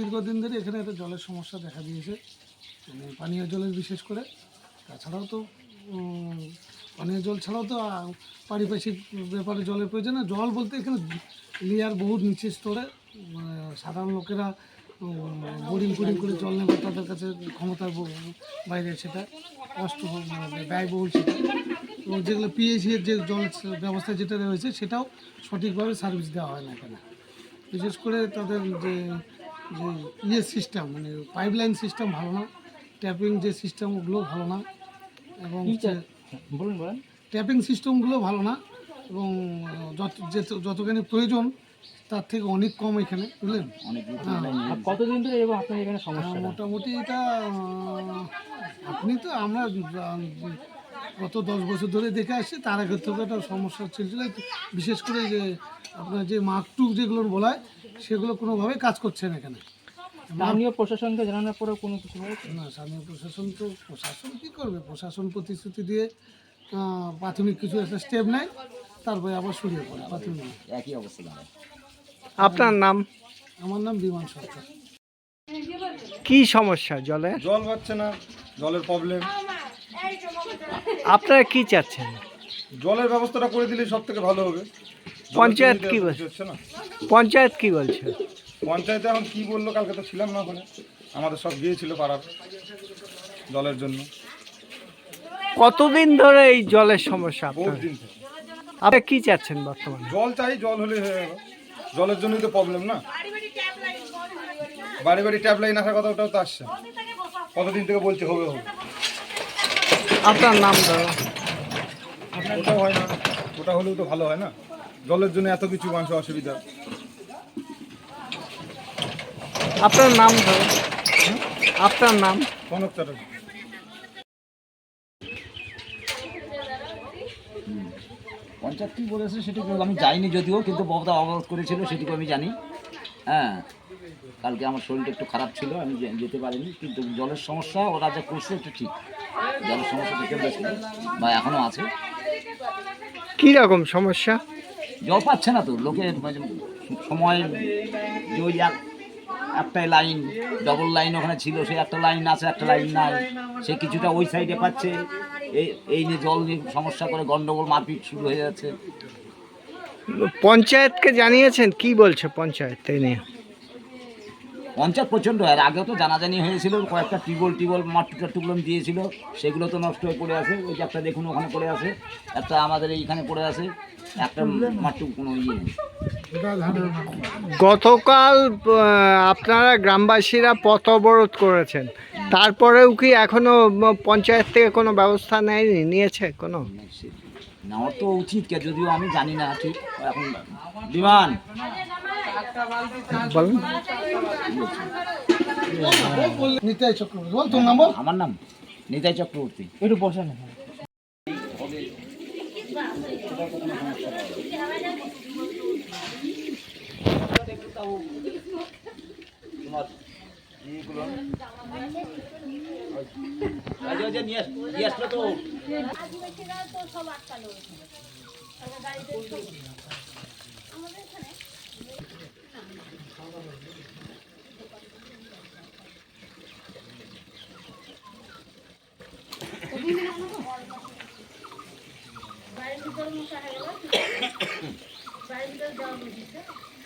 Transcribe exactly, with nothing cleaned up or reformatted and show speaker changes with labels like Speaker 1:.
Speaker 1: দীর্ঘদিন ধরে এখানে একটা জলের সমস্যা দেখা দিয়েছে, মানে পানীয় জলের বিশেষ করে। তাছাড়াও তো পানীয় জল ছাড়াও তো পারিপার্শ্বিক ব্যাপারে জলের প্রয়োজন। না জল বলতে এখানে লেয়ার বহুত নিচে স্তরে, সাধারণ লোকেরা বোরিং ফোরিং করে জল নেবে, তাদের কাছে ক্ষমতার বাইরে, সেটা কষ্ট ব্যয়বহুল সেটা। এবং যেগুলো পিএইচি এর যে জল ব্যবস্থা যেটা রয়েছে সেটাও সঠিকভাবে সার্ভিস দেওয়া হয় না এখানে। বিশেষ করে তাদের যে যে ইয়ে সিস্টেম, মানে পাইপলাইন সিস্টেম ভালো না, ট্যাপিং যে সিস্টেম ওগুলো ভালো না, এবং
Speaker 2: বলুন বলেন
Speaker 1: ট্যাপিং সিস্টেমগুলো ভালো না, এবং যত যতখানি প্রয়োজন তার থেকে অনেক কম এখানে, বুঝলেন।
Speaker 2: কতদিন ধরে এবং আপনার এখানে সমস্যা?
Speaker 1: মোটামুটি এটা আপনি তো আমরা গত দশ বছর ধরে দেখে আসছি, তার আগের থেকে একটা সমস্যা চলছিল। বিশেষ করে যে আপনার যে মাকটুক যেগুলো বলা হয় সেগুলো কোনোভাবেই কাজ করছে না এখানে।
Speaker 2: স্থানীয় প্রশাসনকে জানানোর পরেও কোনো কিছু হয়েছে
Speaker 1: না, স্থানীয় প্রশাসন তো প্রশাসন কী করবে, প্রশাসন প্রতিশ্রুতি দিয়ে প্রাথমিক কিছু একটা স্টেপ নেয়, তারপরে আবার সরিয়ে পড়ে প্রাথমিক
Speaker 2: একই অবস্থা।
Speaker 3: আপনার নাম?
Speaker 1: আমার নাম বিমান সরকার।
Speaker 3: কি সমস্যা? জলে
Speaker 4: জল পাচ্ছে না, জলের প্রবলেম।
Speaker 3: আপনারা কি চাচ্ছেন?
Speaker 4: জলের ব্যবস্থাটা করে দিলে সব থেকে ভালো হবে।
Speaker 3: পঞ্চায়েত কি বলছে?
Speaker 4: না
Speaker 3: পঞ্চায়েত কি বলছে?
Speaker 4: পঞ্চায়েতে এখন কি বললো, কালকে তো ছিলাম না ওখানে, আমাদের সব গিয়েছিল পাড়ার জলের জন্য।
Speaker 3: কতদিন ধরে এই জলের সমস্যা
Speaker 4: বহুত
Speaker 3: আপনার?
Speaker 4: দিন থেকে।
Speaker 3: আপনি কি চাচ্ছেন বর্তমানে?
Speaker 4: জল চাই, জল হলে হয়ে গেল। জলের জন্যই তো প্রবলেম না, বাড়ি বাড়ি ট্যাপ লাইন আসার কথা, ওটাও তো আসছে। কতদিন থেকে বলছে হবে হবে,
Speaker 3: আপনার নাম ধরো।
Speaker 4: ওটাও হয় না। ওটা হলেও তো ভালো হয় না, জলের জন্য এত কিছু মানুষ অসুবিধা।
Speaker 3: আপনার নাম ধরো। আপনার নাম?
Speaker 4: কনক চ্যাটার্জি।
Speaker 5: পঞ্চায়েত কী বলেছে সেটুকু আমি যাইনি, যদিও কিন্তু ববদা অবরোধ করেছিল সেটুকু আমি জানি। হ্যাঁ, কালকে আমার শরীরটা একটু খারাপ ছিল, আমি যেতে পারিনি। কিন্তু জলের সমস্যা ওরা যা করছে এটা ঠিক, জলের সমস্যা থেকে বেশি বা এখনও আছে।
Speaker 3: কি রকম সমস্যা?
Speaker 5: জল পাচ্ছে না তো লোকের, সময় যে ওই এক একটাই লাইন, ডবল লাইন ওখানে ছিল, সে একটা লাইন আছে, একটা লাইন নাই, সে কিছুটা ওই সাইডে পাচ্ছে। এই এই নিয়ে জল নিয়ে সমস্যা করে গন্ডগোল, মারপিট শুরু হয়ে যাচ্ছে।
Speaker 3: পঞ্চায়েতকে জানিয়েছেন? কি বলছে পঞ্চায়েত এই নিয়ে?
Speaker 5: পঞ্চায়েত প্রচণ্ড, আর আগেও তো জানাজানি হয়েছিল, কয়েকটা টিউবওয়েল টিউবওয়েল মাটি টাটুগুলো দিয়েছিল, সেগুলো তো নষ্ট হয়ে পড়ে আছে। ওই যে একটা দেখুন ওখানে পড়ে আছে, একটা আমাদের এইখানে পড়ে আছে, একটা মাটি কোনো ইয়ে নেই।
Speaker 3: গতকাল আপনারা গ্রামবাসীরা পথ অবরোধ করেছেন, তারপরেও কি এখনো পঞ্চায়েত থেকে কোনো ব্যবস্থা নেয়নি? নিয়েছে কোনো?
Speaker 5: নেওয়ার তো উচিত, কে যদিও আমি জানি না ঠিক এখন। বিমান
Speaker 3: বলুন।
Speaker 1: নিতাই চক্রবর্তী বল তোর নাম বল।
Speaker 5: আমার নাম নিতাই চক্রবর্তী।
Speaker 2: একটু বসেন।
Speaker 6: বাড়ির ভিতরে মশা হয়ে গেল, বাড়ির ভিতরে জল বুঝিছে।